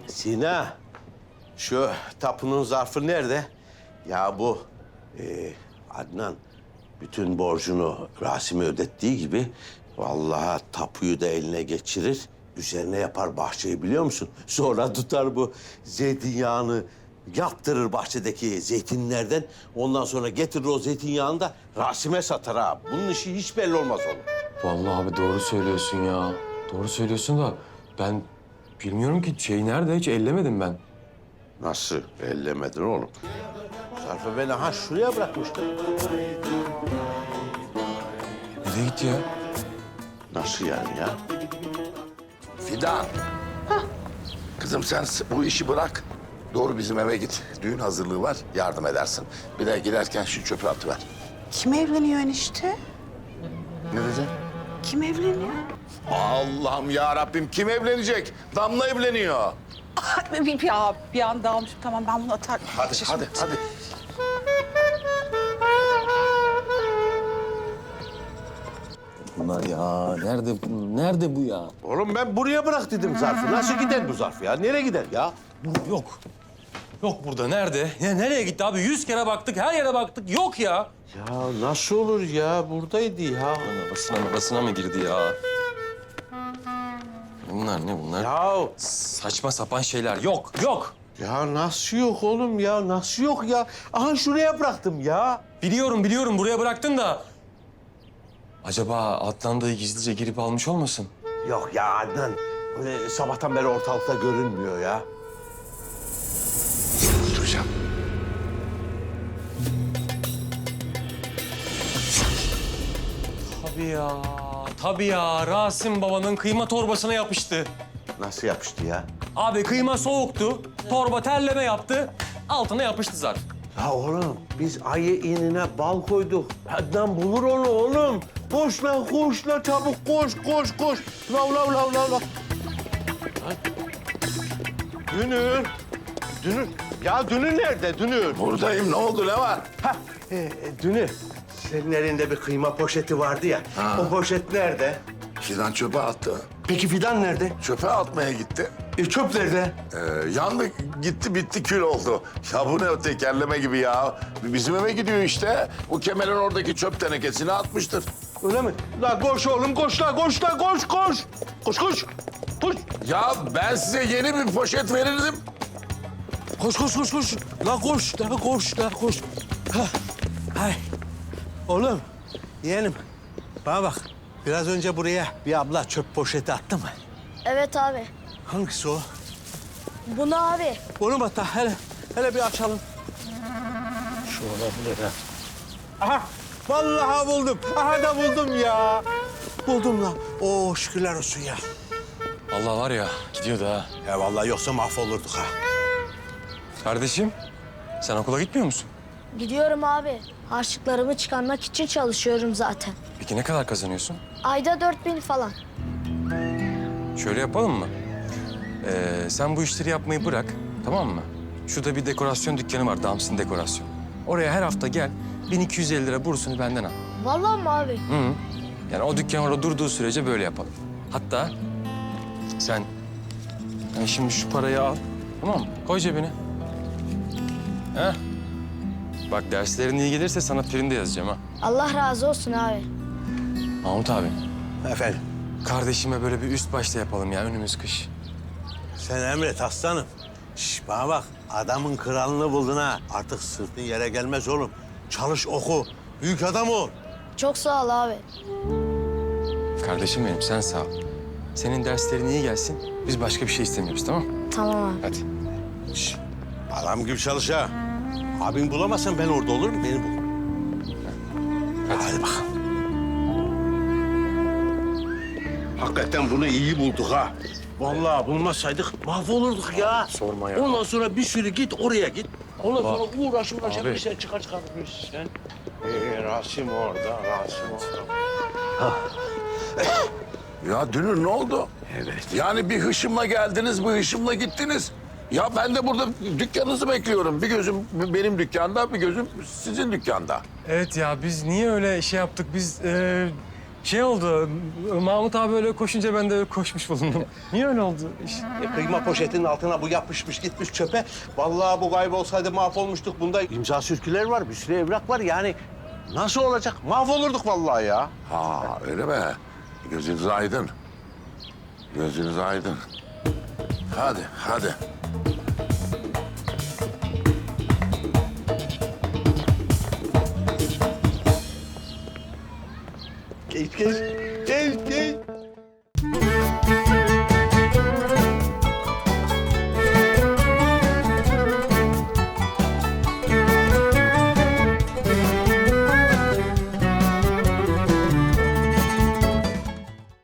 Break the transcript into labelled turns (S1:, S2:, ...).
S1: Sina, şu tapunun zarfı nerede? Ya bu Adnan bütün borcunu Rasim'e ödettiği gibi vallahi tapuyu da eline geçirir. Üzerine yapar bahçeyi biliyor musun? Sonra tutar bu zeytinyağını yaptırır bahçedeki zeytinlerden. Ondan sonra getirir o zeytinyağını da Rasim'e satar ha. Bunun işi hiç belli olmaz oğlum.
S2: Vallahi abi doğru söylüyorsun ya. Doğru söylüyorsun da ben bilmiyorum ki şey nerede hiç ellemedim ben.
S1: Nasıl ellemedin oğlum? Zarfı ben aha şuraya bırakmıştım.
S2: Nereye gitti ya?
S1: Nasıl yani ya?
S3: Fidan. Kızım sen bu işi bırak. Doğru bizim eve git. Düğün hazırlığı var, yardım edersin. Bir de giderken şu çöpü atıver.
S4: Kim evleniyor enişte?
S3: Ne diyeceksin?
S4: Kim evleniyor?
S3: Allah'ım ya Rabbim kim evlenecek? Damla evleniyor.
S4: Bir anda almışım. Tamam ben bunu atarım.
S3: Hadi.
S2: Bunlar ya nerede bu ya?
S1: Oğlum ben buraya bırak dedim zarfı. Nasıl gider bu zarf ya? Nereye gider ya?
S2: Yok. Yok burada nerede? Ya nereye gitti abi? 100 kere baktık, her yere baktık. Yok ya.
S1: Ya nasıl olur ya? Buradaydı ya.
S2: Arabasına mı girdi ya? Bunlar ne bunlar?
S1: Ya,
S2: Saçma sapan şeyler. Yok.
S1: ya nasıl yok oğlum ya? Nasıl yok ya? Aha şuraya bıraktım ya.
S2: Biliyorum buraya bıraktın da. Acaba Adnan gizlice girip almış olmasın?
S1: Yok ya Adnan. Sabahtan beri ortalıkta görünmüyor ya.
S3: Duracağım.
S2: Tabii ya. Rasim babanın kıyma torbasına yapıştı.
S1: Nasıl yapıştı ya?
S2: Abi kıyma soğuktu. Torba terleme yaptı. Altına yapıştı zarf.
S1: Ya oğlum biz ayı inine bal koyduk. Adnan bulur onu oğlum. Koş la çabuk koş. Lav. Dünür. Ya Dünür nerede Dünür?
S3: Buradayım ne oldu ne var?
S1: Dünür. Senin elinde bir kıyma poşeti vardı ya.
S3: Ha.
S1: O poşet nerede?
S3: Fidan çöpe attı.
S1: Peki Fidan nerede?
S3: Çöpe atmaya gitti.
S1: Çöp nerede?
S3: Yandı gitti bitti kül oldu. Ya bu ne o tekerleme gibi ya. Bizim eve gidiyor işte. Bu kemerin oradaki çöp tenekesine atmıştır.
S1: Öyle mi? La koş oğlum koş. Koş.
S3: Ya ben size yeni bir poşet verirdim.
S1: Koş. La koş. Hah. Hay. Oğlum, yeğenim. Bana bak. Biraz önce buraya bir abla çöp poşeti attı mı?
S5: Evet abi.
S1: Hangisi o?
S5: Bunu abi.
S1: Onu bak da hele bir açalım. Şu olabilir ha. Aha! Vallahi buldum. Aha da buldum ya. Buldum lan. Oo şükürler olsun ya.
S2: Allah var ya gidiyordu ha.
S1: Ya vallahi yoksa mahvolurduk ha.
S2: Kardeşim sen okula gitmiyor musun?
S5: Gidiyorum abi. Harçlıklarımı çıkarmak için çalışıyorum zaten.
S2: Peki ne kadar kazanıyorsun?
S5: Ayda 4000 falan.
S2: Şöyle yapalım mı? Sen bu işleri yapmayı bırak, tamam mı? Şurada bir dekorasyon dükkanı var, Dams'ın dekorasyon. Oraya her hafta gel, 1250 lira bursunu benden al.
S5: Vallahi mi abi?
S2: Hı. Yani o dükkan orada durduğu sürece böyle yapalım. Hatta sen yani şimdi şu parayı al, tamam mı? Koy cebine. Heh. Bak derslerin iyi gelirse sana prim de yazacağım ha.
S5: Allah razı olsun abi.
S2: Mahmut abi,
S1: Efendim,
S2: kardeşime böyle bir üst başta yapalım ya önümüz kış.
S1: sen emret aslanım. Şş, bana bak, adamın kralını buldun ha. Artık sırtın yere gelmez oğlum. Çalış, oku. Büyük adam ol.
S5: Çok sağ ol abi.
S2: Kardeşim benim sen sağ ol. Senin derslerin iyi gelsin. Biz başka bir şey istemiyoruz tamam mı?
S5: Tamam abi.
S2: Hadi.
S1: Şş, adam gibi çalış ha. Abin bulamazsan ben orada olurum, beni bul. Hadi bakalım. Hakikaten bunu iyi bulduk ha. Vallahi bulmasaydık mahvolurduk ya.
S2: Sorma ya.
S1: Ondan sonra bir sürü git oraya git. Ondan sonra uğraş
S2: Abi.
S1: bir şey çıkar sen. Rasim orada.
S3: Ya Dünür ne oldu?
S1: Evet.
S3: Yani bir hışımla geldiniz, bir hışımla gittiniz. Ya ben de burada dükkanınızı bekliyorum. Bir gözüm benim dükkanda, bir gözüm sizin dükkanda.
S2: Evet ya biz niye öyle şey yaptık? Biz Şey oldu, Mahmut abi öyle koşunca ben de öyle koşmuş bulundum. Niye öyle oldu iş?
S1: Kıyma poşetinin altına bu yapışmış gitmiş çöpe. Vallahi bu kaybolsaydı mahvolmuştuk. Bunda imza sürküler var, bir sürü evrak var. Yani nasıl olacak? Mahvolurduk vallahi ya.
S3: Ha öyle mi? Gözünüz aydın. Gözünüz aydın. Hadi, hadi.
S1: Geç, geç. Geç, geç.